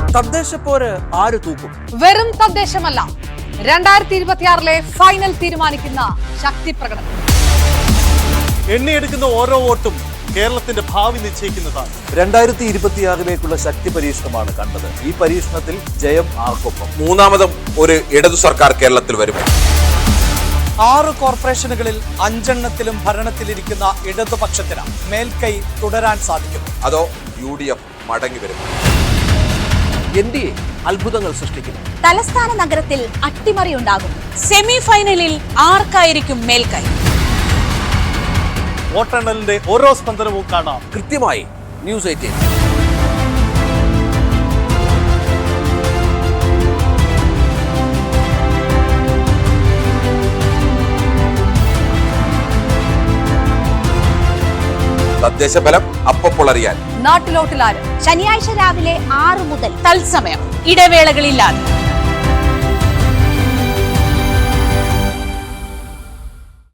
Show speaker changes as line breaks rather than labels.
തദ്ദേശപ്പോര് ആര് തൂക്കും?
വെറും തദ്ദേശമല്ല, 2026 ഫൈനൽ തീരുമാനിക്കുന്ന ശക്തി പ്രകടനം.
എണ്ണിയെടുക്കുന്ന ഓരോ വോട്ടും കേരളത്തിന്റെ ഭാവി നിശ്ചയിക്കുന്നതാണ്.
2026 ശക്തി പരീക്ഷണമാണ് കണ്ടത്. ഈ പരീക്ഷണത്തിൽ ജയം ആർക്കൊപ്പം?
മൂന്നാമതും ഒരു ഇടതു സർക്കാർ കേരളത്തിൽ വരും.
6 കോർപ്പറേഷനുകളിൽ 5 ഭരണത്തിലിരിക്കുന്ന ഇടതുപക്ഷത്തിന് മേൽക്കൈ തുടരാൻ സാധിക്കും.
അതോ UDF മടങ്ങി വരും?
NDA അത്ഭുതങ്ങൾ സൃഷ്ടിക്കും.
തലസ്ഥാന നഗരത്തിൽ അട്ടിമറിയുണ്ടാകും. സെമി ഫൈനലിൽ ആർക്കായിരിക്കും മേൽക്കൈ?
വോട്ടെണ്ണലിന്റെ ഓരോ സ്പന്ദനവും കാണാം
കൃത്യമായി ന്യൂസ് 18.
തദ്ദേശ ഫലം അപ്പോൾ അറിയാൻ
നാട്ടിലോട്ടിലാരും
ശനിയാഴ്ച രാവിലെ 6 മുതൽ തത്സമയം ഇടവേളകളില്ലാതെ